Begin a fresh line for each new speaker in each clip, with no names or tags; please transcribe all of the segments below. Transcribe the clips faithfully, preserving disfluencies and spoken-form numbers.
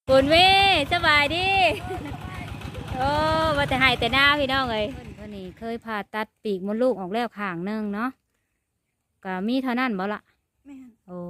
คุณแม่สบายดีโอ้ว่าแต่หายแต่หน้าพี่น้องเลยวันนี้เคยผ่าตัดปีกมดลูกออกแล้วข้างหนึงเนาะก็มีเท่านั้นบ่ละ
แม่น
โอ้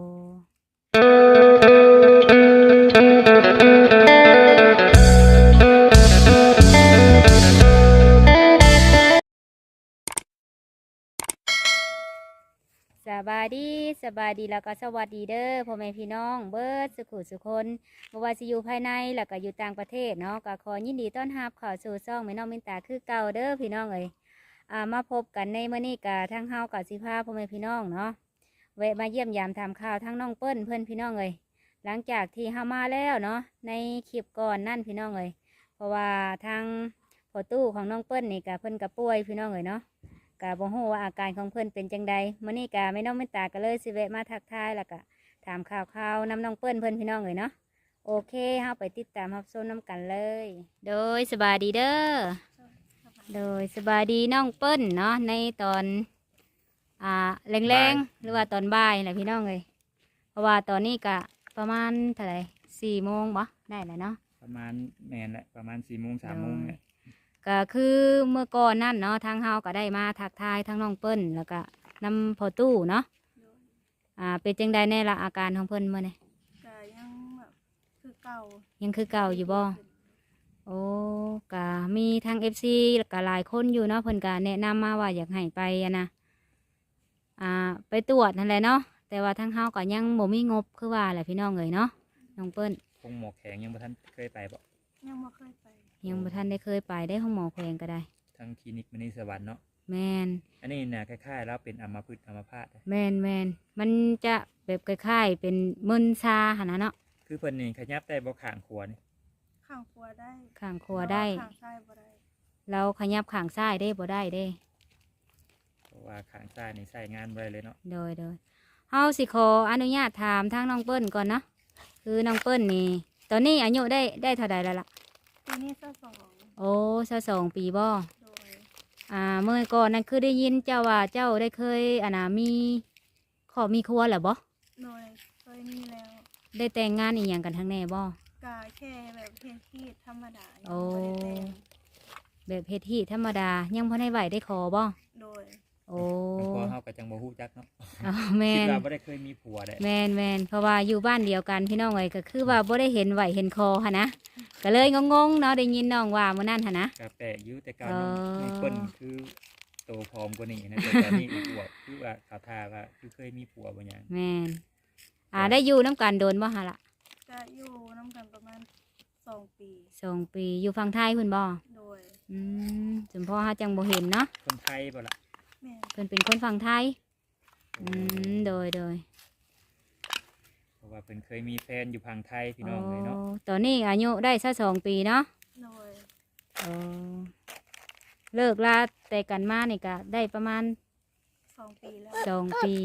สบายดีสบายดีแล้วก็สวัสดีเด้อพ่อแม่พี่น้องเบิร์ดสุขุสุคนบ่ว่าสิอยู่ภายในแล้วก็อยู่ต่างประเทศเนาะก็ขอยินดีต้อนรับเข้าสู่ช่องแม่น้องมินตาคือเก่าเด้อพี่น้องเอ้ยอ่ามาพบกันในมื้อนี้กะทั้งเฮากับสิพาพ่อแม่พี่น้องเนาะแวะมาเยี่ยมยามทำข่าวทั้งน้องเปิ้ลเพื่อนพี่น้องเอ้ยหลังจากที่เฮามาแล้วเนาะในคลิปก่อนนั่นพี่น้องเอ้ยเพราะว่าทางพ่อตู้ของน้องเปิ้ลนี่กะเพิ่นกะป่วยพี่น้องเอ้ยเนาะกะบ่ฮู้ว่าอาการของเพิ่นเป็นจังใดมื้อนี้กะแม่น้องมินตาก็เลยสิแวะมาทักทายแล้วก็ถามข่าวข่าวนำน้องเปิ้ลเพิ่นพี่น้องเอ้ยเนาะโอเคเฮาไปติดตามรับชมน้ำกันเลย โดยสบายดีเด้อ โดยสบายดีน้องเปิ้ลเนาะในตอนอ่าแรงๆหรือว่าตอนบ่ายแหละพี่น้องเลยเพราะว่าตอนนี้กะประมาณเท่าไหร่สี่โมงบ่ได้แล้วเนาะ
ประมาณแมนแหละประมาณสี่โมงสามโมงเนี่ย
ก็คือเมื่อก่อนนั่นเนาะทางเฮาก็ได้มาทักทายทั้งน้องเปิ้ลแล้วก็นำพอตู้เนาะอ่าเป็นจังใดแน่ละอาการของเพิ่นเมื่อไง
ก็ยังแบบคือเก่า
ยังคือเก่าอยู่บ่โอ้กะมีทางเอฟซีกะหลายคนอยู่เนาะเพิ่นกะแนะนำมาว่าอยากให้ไปอะนะอ่าไปตรวจนั่นแหละเนาะแต่ว่าทางเฮาก็ยังบ่มีงบคือว่าแหละพี่น้องเอ๋ยเนาะน้องเปิ้ล
คงหมอแข็งยังบ่ทันเคยไปบ่
ยังไม่เคยไป
ยังบ่ทันได้เคยไปได้ห้องหมอแขวงก็ได้
ทั้งคลินิกมณีสวรรค์เนาะ
แมน
อันนี้น่ะคล้ายๆแล้วเป็นอัมพฤกษ์อัมพาต
แมนแมนมันจะแบบคล้ายๆเป็นมึนชาหั่นนะเนาะ
คือเพิ่นนี่ขยับได้บ่ข้างขวานี่
ข้างขวาได้
ข้างขวาได้
ข้างซ้ายบ่ได้
เราขยับข้างซ้ายได้บ่ได้เด้
เพราะว่าข้างซ้ายนี่ใช้งานบ่ได้เลยเนาะ
โดยโดยเฮาสิขออนุญาตถามทางน้องเปิ้ลก่อนเนาะคือน้องเปิ้ลนี่ตอนนี้อายุได้ได้เท่าใดแล้วล่ะ
ปีนี้สักสอง
โอ้สักสองปีบ่
โดย
อ่าเมื่อก่อนนั้นคือได้ยินเจ้าว่าเจ้าได้เคยอ่านะมีขอมีครัวเหรอบ่
โดยเคยมีแล้ว
ได้แต่งงานอีหยังกันทั้งแน่บ่
กะแค่แบบเพศที่ธรรมดา
โอ้
บ่ได้แต่ง
แบบเพศที่ธรรมดายังพอได้ไหวได้ขอบ่
โดย
โอ้
พอเฮาก็จังบ่ฮู้จักเนาะ
อ๋อแม่
คิด
น
ว่าบ่ได้เคยมีผัวได้
แม่นแม่นเพราะว่าอยู่บ้านเดียวกันพี่น้องเอ้ยก็คือว่าบ่ได้เห็นไหวเห็นคอหั่นนะก็เลยงงๆเนาะได้ยินน้องว่ามื้อนั้นหั่นนะ
ก็แปลกอยู่แต่ก่อนน้องน้องเปิ้ลคือโตพร้อมกว่านี้นะแต่ตอนนี้อวบคือว่าเขาท่าว่าคือเคยมีผัวบ่หยัง
แม่นอ่าได้อยู่น้ำกันโดนบ่หั่นล่ะ
ก็อยู่น้ำกันประมาณสองปี
สองปีอยู่ฝั่งไทยเพิ่นบ่
โดย
อืมจนพ่อเฮาจังบ่เห็นเนาะ
คนไทยบ่ล่ะ
แม่น
เพิ่นเป็นคนฝั่งไทยอืมโดยโดย
เพราะว่าเพิ่นเคยมีแฟนอยู่ฝั่งไทยพี่น้องเลยเนาะ
ตอนนี้อายุได้สักสองปีเนาะ
โดย
โอ้เลิกลาแต่กันมานี่ก็ได้ประมาณ
สองปีแล้ว
สองปี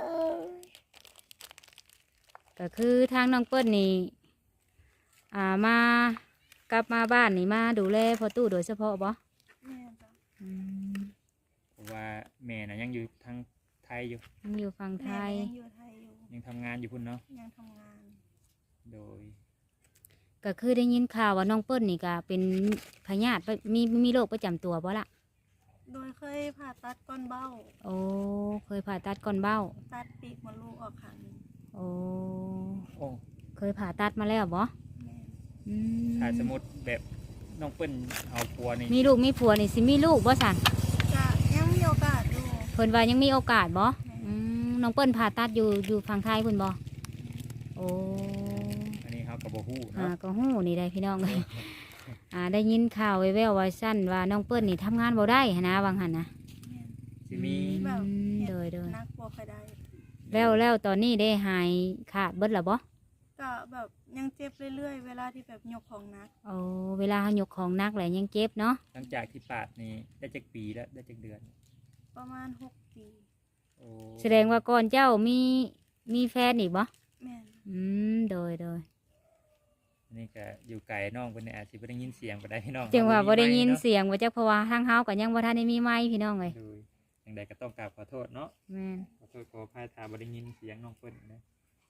ก็คือทางน้องเปิ้ลนี่อ่ามากลับมาบ้านนี่มาดูแลพ่อตู้โดยเฉพาะบ่
แม่จ้ะ
อืม
เพราะว่าแม่น่ะยังอยู่ทางไทยอยู่
ยังอยู่ฝั่งไทย
ยังอยู่ไทยอยู่
ยังทำงานอยู่พุ่นเนาะ
ยังทำงาน
โดย
ก็คือได้ยินข่าวว่าน้องเปิ้ลนี่ก็เป็นพยาธิมีมีโรคประจำตัวบ่ล่ะ
โดยเคยผ่าตัดก้อนเบ้า
โอ้เคยผ่าตัดก้อนเบ้า
ตัดปีกมดลูกออกข้างนึง
โอ้
โอ้
เคยผ่าตัดมาแล้วบ่
อืมถ้าสมมติแบบน้องเปิ้ลเอาผัวนี่
มีลูกมีผัวนี่สิมีลูกบ่สั่น
จะยังมีโอกาสอยู่
เพิ่นว่ายังมีโอกาสบ่อืมน้องเปิ้ลผ่าตัดอยู่อยู่ฝั่งไทยเพิ่นบ่โอ้
อันนี้เฮาก็บ่ฮู้
อ่า
เนาะ
ก็ฮู้นี่ได้พี่น้องเลยอ่าได้ยินข่าวแว่วๆว่าซั่นว่าน้องเปิ้ลนี่ทำงานบ่ได้หันนะว่างั้นนะ
สิมี
แบบ
โดยโดย
นักบ่ค่อยได้
แล้วแล้วตอนนี้ได้หายขาดเบิดแล้วบ่
ก็แบบยังเจ็บเรื่อยๆเวลาที่แบบยกของหนัก
โอ้เวลาเฮายกของหนักแหละยังเจ็บเนาะ
หลังจากที่ปาดนี่ได้จักปีแล้วได้จักเดือน
ประมาณหกปี
โอ้
แสดงว่าก่อนเจ้ามีมีแฟนอีกบ่
แม่น
อืมโดยโดย
อันนี้ก็อยู่ไกลน้องเพิ่นนี่อาจสิบ่ได้ยินเสียงบ่ได้พี่น้อง
จังว่าบ่ได้ยินเสียงว่าจักเพราะว่าทางเฮาก็ยังบ่ทันได้มีไมค์พี่น้องเอ้ย
จังใดก็ต้องกราบขอโทษเนาะ
แม่น
ขอโทษขออภัยถ้าบ่ได้ยินเสียงน้องเพิ่นนะ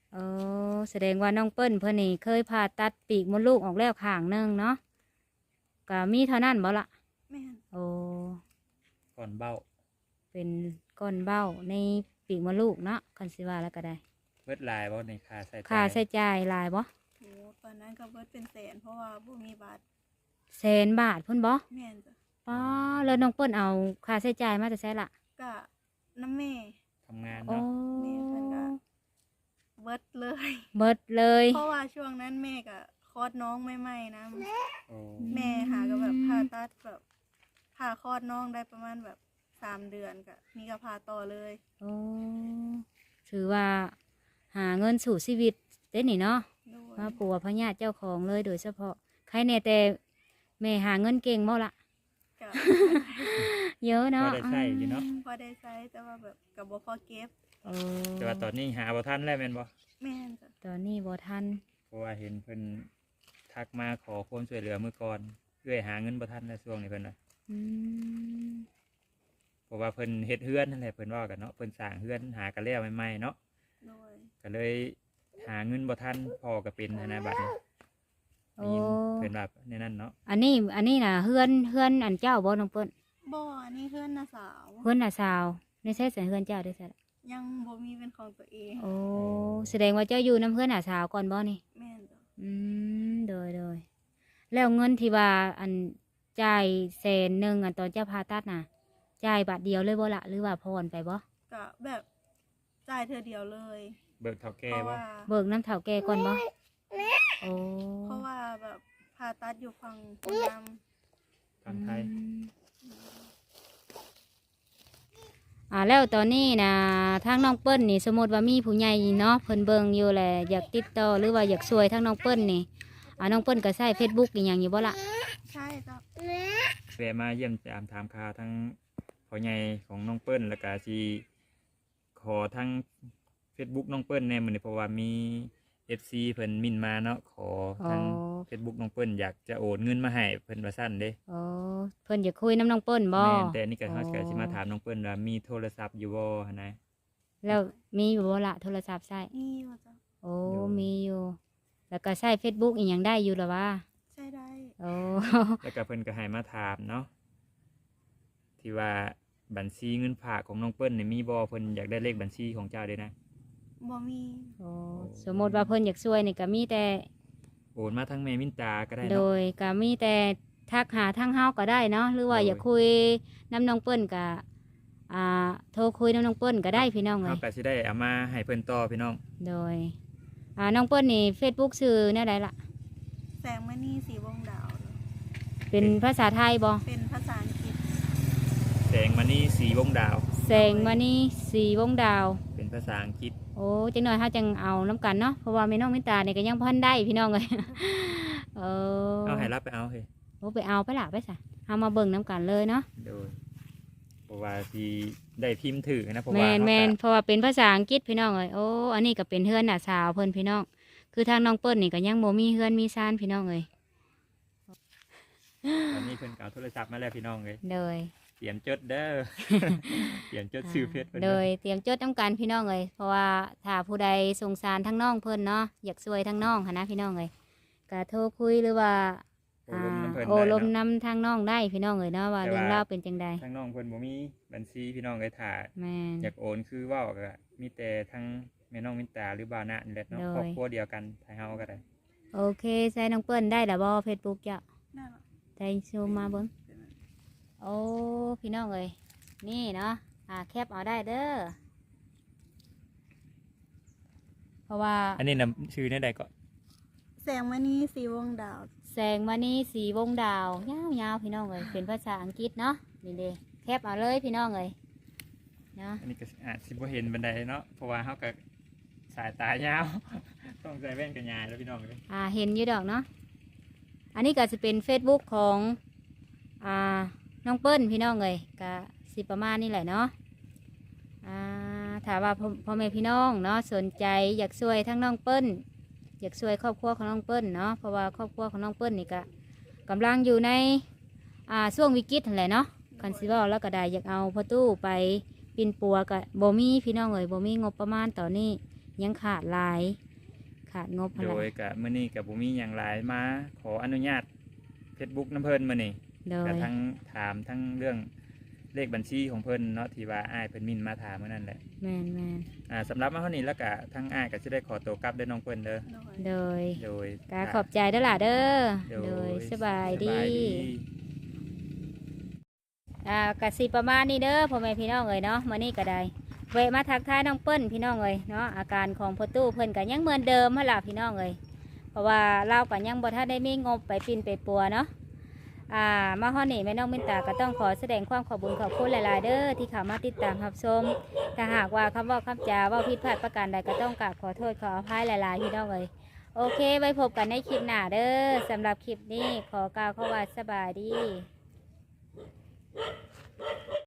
เออแสดงว่าน้องเปิ้ลเพิ่นนี่เคยผ่าตัดปีกมดลูกออกแล้วข้างหนึงเนาะก็มีเท่านั้นบ่ละ
แม่น
โอ้
ก่อนเบ้า
เป็นก้อนเบ้าในปีกมดลูกเนาะคันสิว่าแล้วก็ได้
เบิดหลายบ่ในค่าใช้จ่าย
ค่าใช้จ่ายหลายบ่
โหตอนนั้นก็เบิดเป็นแสนเพราะว่าบ่มีบัตร
แสนบาทพุ่นบ่
แม่นจ้ะ
ป้าแล้วน้องเปิ้ลเอาค่าใช้จ่ายมาจะใช้ละ
ก็น้ำแม่
ทำงาน
โอ้
เนาะ
แม่เพิ่นก็เบิดเลย
เบิดเลย
เพราะว่าช่วงนั้นแม่ก็คลอดน้องใหม่ๆนะ
โอ้
แม่หาก็แบบผ่าตัดแบบผ่าคลอดน้องได้ประมาณแบบสามเดือนก็มีก็ผ่าต่อเลย
โอ้ถือว่าหาเงินสู่ชีวิตเด้นี่เนาะ
ด้วย
มาปัวพญาติเจ้าของเลยโดยเฉพาะใครแน่แต่แม่หาเงินเก่งบ่ละ
ก็
เยอะ
พอ
เนาะ
ได้ใช้อยู่เนาะ
พอได้ใช้แต่ว่าแบบกับบ่พอเก็บ
โอ้
แต่ว่าตอนนี้หาบ่ทันแล้วแม่นบ่
แม่นจ้ะ
ตอนนี้บ่ทัน
เพราะว่าเห็นเพิ่นทักมาขอความช่วยเหลือมื้อก่อนเพื่อหาเงินบ่ทันในช่วงนี้เพิ่นว่า
อืม
เพราะว่าเพิ่นเฮ็ดเฮือนนั่นแหละเพิ่นว่ากันเนาะเพิ่นสร้างเฮือนหากันแล้วใหม่ๆเนาะ
ด้วย
ก็เลยหาเงินบ่ทันพอก็เป็นหั้นนะบัดนี้
โอ้
ได้ยินเพิ่นว่าในนั้นเนาะ
อันนี้อันนี้น่ะเฮือนเฮือนอันเจ้าบ่น้องเปิ้ล
บ่อันนี้เพื่อนน้าสาว
เฮือนน่ะสาวในใช้สันเฮือนเจ้าได้ใช่ละ
ยังบ่มีเป็นของตัวเอง
โอ้แสดงว่าเจ้าอยู่น้ำเฮือนน่ะสาวก่อนบ่นี่
แม่นจ้ะ
อืมโดยโดยแล้วเงินที่ว่าอันจ่ายแสนหนึ่งอันตอนเจ้าพาตัดน่ะจ่ายบาทเดียวเลยบ่ละหรือว่าพรไปบ่
ก็แบบจ่ายเธอเดียวเลย
เบิกเท่าแก่
เพราะ
บ่
ว่า
เบิกน้ำเถาแก่ก่อนบ่โอ้
เพราะว่าแบบผ่าตัดอยู่ฝั่งคนด
ทางไทย
อืมอ่าแล้วตอนนี้นะทางน้องเปิ้ลนี่สมมติว่ามีผู้ใหญ่เนาะเพิ่นเบิ่งอยู่แหละอยากติดต่อหรือว่าอยากช่วยทางน้องเปิ้ลนี่อ่าน้องเปิ้ลก็ใช้ Facebook อีหยังอยู่บ่ล่ะ
ำใช่จ้ะ
แวะมาเยี่ยมตามถามข่าวทั้งพ่อใหญ่ของน้องเปิ้ลแล้วก็สิขอทั้ง Facebook น้องเปิ้ลแน่มื้อนี้เพราะว่ามี เอฟ ซี เพิ่นมินมาเนาะขอทั้ง Facebook น้องเปิ้ลอยากจะโอนเงินมาให้เพิ่นว่าซั่นเด้
โอ้เพิ่นอยากคุยน้ำน้องเปิ้ลบ่
แม่นแต่นี่ก็
อ๋อ
เฮาก็สิมาถามน้องเปิ้ลว่ามีโทรศัพท์อยู่บ่หั่นนะ
แล้วมีอยู่บ่ล่ะโทรศัพท์ใช้
นี่ว่าจ้ะ
โอ้
อยู่
มีอยู่ แล้วก็ใช้ Facebook อีหยังได้อยู่หรอวะ
ใช่ได้
โอ้
แล้วก็เพิ่นก็ให้มาถามเนาะที่ว่าบัญชีเงินฝากของน้องเปิ้ลนี่มีบ่เพิ่นอยากได้เลขบัญชีของเจ้าเด้นะ
บ่มี
โอ้สมมติว่าเพิ่นอยากช่วยนี่ก็มีแต่
โอนมาทั้งแม่มินตาก็ได้
โด
เนาะ
ยก็มีแต่ทักหาทางเฮาก็ได้เนาะหรือว่า
โดย
อยากคุยน้ำน้องเปิ้ลก็อ่าโทรคุยน้ำน้องเปิ้ลก็ได้พี่น้องเล
เฮาย ก็สิได้เอามาให้เพิ่นต่อพี่น้อง
โดยอ่าน้องเปิ้ลนี่ Facebook ชื่อแนวใดล่ะ
แสงมณีสีวงดาว
เป็นภาษาไทยบ่
เป็นภาษาอังกฤษ
แสงมณีสีวงดาว
แสงมานี่สีวงดาว
เป็นภาษาอังกฤษ
โอ้จังหน่อยเฮาจังเอาน้ำกันเนาะเพราะว่าแม่น้องมินตาเนี่ยก็ยังพันได้พี่น้องเลย เออ
เอาให้รับไปเอาเฮ้ย
โอ้ไปเอาไปละไปซะเอามาเบิ่งน้ำกันเลยเนาะ
โดยเพราะว่าสิได้พิมพ์ถือนะเพราะ
แม
ว่าน
แมน
เฮาก็
เพราะว่าเป็นภาษาอังกฤษพี่น้องเลยโอ้อันนี้ก็เป็นเฮือนหน้าสาวเพิ่นพี่น้องคือทางน้องเปิ้ลนี่ก็ยังบ่มีเฮือนมีซานพี่น้องเลย
ตอนนี้เพิ่นก็เอาโทรศัพท์มาแล้วพี่น้องเลย
โดย
เตรียมจดเด้อ เตรียมจดชื่อเพจเพิ่น
โด
เด้อย
เตรียมจดน้ำกันพี่น้องเลยเพราะว่าถ้าผู้ใดสงสารทั้งน้องเพิ่นเนาะอยากช่วยทั้งน้องหั้นนะพี่น้องเลยก็โทรคุยหรือว่า
โอ้ลมน้ำเพิ่น
โอ้
ได้
ลม
เนาะ
น้ำทางน้องได้พี่น้องเลยเนาะว่า
แต่
เรื่อง
ว่า
ราวเป็นจังใด
ทางน้องเพิ่นบ่มีบัญชีพี่น้องเลยถ่า
แม่น
อยากโอนคือเว้าก็มีแต่ทั้งแม่น้องมินตาหรือบาวนะนี่แหละเนาะ
โดย
ครอบครัวเดียวกันไทยเฮาก็ได้
โอเคใส่น้องเปิ้ลได้แล้วบ่เฟซบุ๊กจ้ะ
นั่นแหละ
ได้ซูมมาเบิ้งโอ้พี่น้องเลยนี่เนาะอ่าแคปเอาได้เด้อเพราะว่า
อันนี้นำชื่อในใดก็
แสงมณีสีวงดาว
แสงมานี่สีวงดาวยาวๆพี่น้องเลยเป็นภาษาอังกฤษเนาะนี่เด้แคปเอาเลยพี่น้องเลยเนาะ
อันนี้ก็อาจสิบ่เห็นบันไดเนาะเพราะว่าเฮาก็สายตายาว ต้องใส่แว่นกันยายแล้วพี่น้องเลย
อ่าเห็นอยู่ดอกเนาะอันนี้ก็จะเป็น Facebook ของอ่าน้องเปิ้ลพี่น้องเลยก็สิประมาณนี้แหละเนาะอ่าถามว่าพ่อพ่อแม่พี่น้องเนาะสนใจอยากช่วยทั้งน้องเปิ้ลอยากช่วยครอบครัวของน้องเปิ้ลเนาะเพราะว่าครอบครัวของน้องเปิ้ลนี่ก็กำลังอยู่ในอ่าช่วงวิกฤตนั่นแหละเนาะคันสิเว่าแล้วก็ได้อยากเอาพ่อตู้ไปปินปัวกับบ่มีพี่น้องเอ๋ยบ่มีงบประมาณตอนนี้ยังขาดหลายขาดงบอะ
โด
ไร
ยกับมื้อนี้กับบุมีอย่างหลายมาขออนุญาต Facebook น้ำเพิ่นมื้อนี้
โด
ก็
ย
ทั้งถามทั้งเรื่องเลขบัญชีของเพิ่นเนาะที่ว่าอ้ายเพิ่นมินมาถามเมื่อนั้นแหละ
แม่นแม่น
อ่าสำหรับมาเท่านี้แล้วก็ทั้งอ้ายก็สิได้ขอตัวกลับเด้อน้องเพิ่นเด้อ
โดย
โดย
โดย
กาขอบใจเด้อล่ะเด้อ
โด
โดย
ย
สบายดี
สบายดี
อ่ากสิประมาณนี้เด้อพ่อแม่พี่น้องเอ้ยเนาะมื้อนี้ก็ได้แวะมาทักทายน้องเปิ้ลพี่น้องเอ้ยเนาะอาการของพ่อตู้เพิ่นก็ยังเหมือนเดิมหั่นล่ะพี่น้องเอ้ยเพราะว่าเราก็ยังบ่ทันได้มีงบไปปิ่นไปปัวเนาะอ่ามาฮอดนี่แม่น้องมินตาก็ต้องขอแสดงความขอบคุญขอบคุณหลายๆเด้อที่เข้ามาติดตามรับชมถ้าหากว่าคำเว่าคำจาเว่าผิดพลาดประการใดก็ต้องกราบขอโทษขออภัยหลายๆพี่น้องเอ้ยโอเคไว้พบกันในคลิปหน้าเด้อสำหรับคลิปนี้ขอกล่าวคำว่าสบายดี